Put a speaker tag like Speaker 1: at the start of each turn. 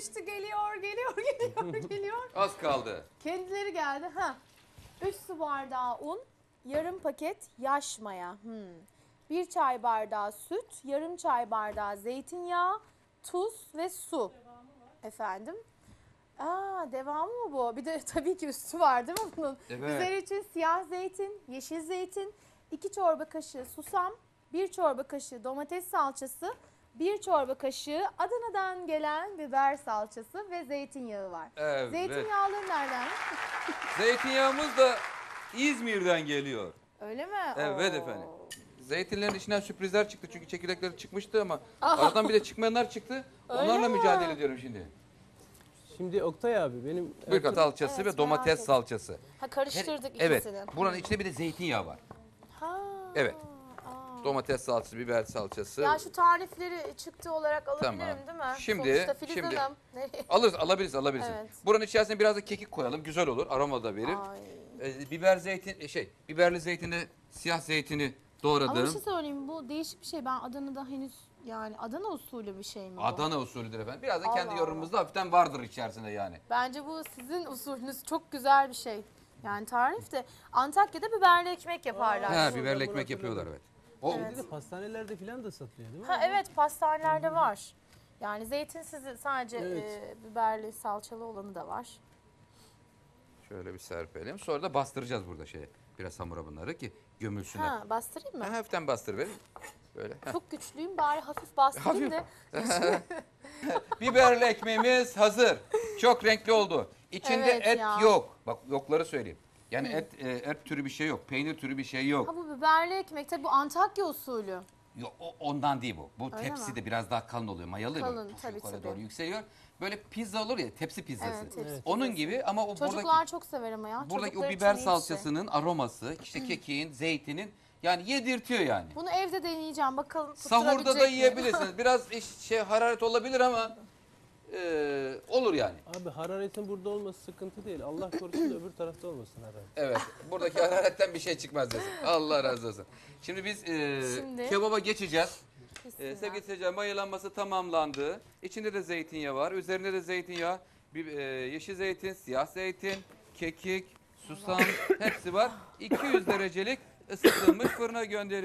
Speaker 1: geçti. Geliyor, geliyor, geliyor, geliyor.
Speaker 2: Az kaldı.
Speaker 1: Kendileri geldi. 3 su bardağı un, yarım paket yaş maya. 1 çay bardağı süt, yarım çay bardağı zeytinyağı, tuz ve su. Efendim? Devamı mı bu? Bir de tabii ki üstü var değil mi bunun?
Speaker 2: Evet.
Speaker 1: Üzeri için siyah zeytin, yeşil zeytin, 2 çorba kaşığı susam, 1 çorba kaşığı domates salçası, 1 çorba kaşığı Adana'dan gelen biber salçası ve zeytinyağı var.
Speaker 2: Evet.
Speaker 1: Zeytinyağları nereden?
Speaker 2: Zeytinyağımız da İzmir'den geliyor.
Speaker 1: Öyle mi?
Speaker 2: Evet
Speaker 1: Oo.
Speaker 2: efendim. Zeytinlerin içinden sürprizler çıktı çünkü çekirdekleri çıkmıştı ama aradan bir de çıkmayanlar çıktı. Onlarla
Speaker 1: mi?
Speaker 2: mücadele ediyorum şimdi.
Speaker 3: Şimdi Oktay abi benim
Speaker 2: Bırkat salçası
Speaker 1: Evet,
Speaker 2: ve
Speaker 1: merak
Speaker 2: domates
Speaker 1: ettim.
Speaker 2: salçası.
Speaker 1: Karıştırdık
Speaker 2: Evet.
Speaker 1: ikisini.
Speaker 2: Buranın içinde bir de zeytinyağı var.
Speaker 1: Ha.
Speaker 2: Evet. Domates salçası, biber salçası.
Speaker 1: Ya şu tarifleri çıktı olarak alabilirim
Speaker 2: Tamam.
Speaker 1: değil mi?
Speaker 2: Şimdi-
Speaker 1: Sonuçta Filiz
Speaker 2: şimdi-
Speaker 1: Hanım. Nereye?
Speaker 2: Alabiliriz.
Speaker 1: Evet.
Speaker 2: Buranın içerisine biraz da kekik koyalım. Güzel olur. Aroma da verir. Biberli zeytini, siyah zeytini doğradım.
Speaker 1: Ama bir şey söyleyeyim, bu değişik bir şey. Ben Adana'da henüz, yani Adana usulü bir şey mi bu?
Speaker 2: Adana usulüdür efendim. Biraz da
Speaker 1: Allah
Speaker 2: kendi
Speaker 1: Allah.
Speaker 2: yorumumuzda hafiften vardır içerisinde yani.
Speaker 1: Bence bu sizin usulünüz, çok güzel bir şey. Yani tarif de Antakya'da biberli ekmek yaparlar.
Speaker 2: Ha,
Speaker 3: Doğru,
Speaker 2: biberli
Speaker 3: doğru,
Speaker 2: ekmek
Speaker 3: hatırladım.
Speaker 2: yapıyorlar evet. O
Speaker 3: Şimdi de pastanelerde falan da satılıyor değil mi?
Speaker 1: Ha evet, pastanelerde var. Yani zeytinsiz sadece
Speaker 3: Evet.
Speaker 1: biberli salçalı olanı da var.
Speaker 2: şöyle bir serpelim. Sonra da bastıracağız burada biraz hamura bunları ki gömülsünler.
Speaker 1: Ha, bastırayım mı?
Speaker 2: Ha, hafiften bastır verin. Böyle.
Speaker 1: Çok güçlüyüm, bari hafif bastırayım da.
Speaker 2: Biberli ekmeğimiz hazır. Çok renkli oldu. İçinde
Speaker 1: Evet
Speaker 2: et
Speaker 1: ya.
Speaker 2: yok. Bak yokları söyleyeyim. Yani et türü bir şey yok. Peynir türü bir şey yok.
Speaker 1: Ha, bu biberli ekmek tabii, bu Antakya usulü.
Speaker 2: Yok, ondan değil bu. Bu
Speaker 1: Öyle
Speaker 2: tepsi
Speaker 1: mi?
Speaker 2: de biraz daha kalın oluyor. Mayalı ya,
Speaker 1: Kalın,
Speaker 2: böyle puf
Speaker 1: tabii,
Speaker 2: yukarı
Speaker 1: tabii.
Speaker 2: doğru yükseliyor. Böyle pizza olur ya, tepsi pizzası.
Speaker 1: Evet, tepsi
Speaker 3: Evet.
Speaker 2: Onun gibi ama o
Speaker 1: Çocuklar çok sever ama ya.
Speaker 2: buradaki o
Speaker 1: Çocuklar
Speaker 2: biber
Speaker 1: için iyi bir şey.
Speaker 2: salçasının aroması, işte kekiğin, zeytinin yani yedirtiyor yani.
Speaker 1: Bunu evde deneyeceğim, bakalım
Speaker 2: Sahurda da
Speaker 1: tutturabilecek miyim?
Speaker 2: yiyebilirsiniz. Biraz hararet olabilir ama olur yani.
Speaker 3: Abi hararetin burada olması sıkıntı değil. Allah korusun da öbür tarafta olmasın hararet.
Speaker 2: Evet. Buradaki hararetten bir şey çıkmaz desin. Allah razı olsun. Şimdi biz
Speaker 1: Şimdi-
Speaker 2: kebaba geçeceğiz.
Speaker 1: Bismillah.
Speaker 2: Sevgili seyirciler, mayalanması tamamlandı. İçinde de zeytinyağı var. Üzerinde de zeytinyağı, yeşil zeytin, siyah zeytin, kekik, susam hepsi var. 200 derecelik ısıtılmış fırına gönderiyoruz.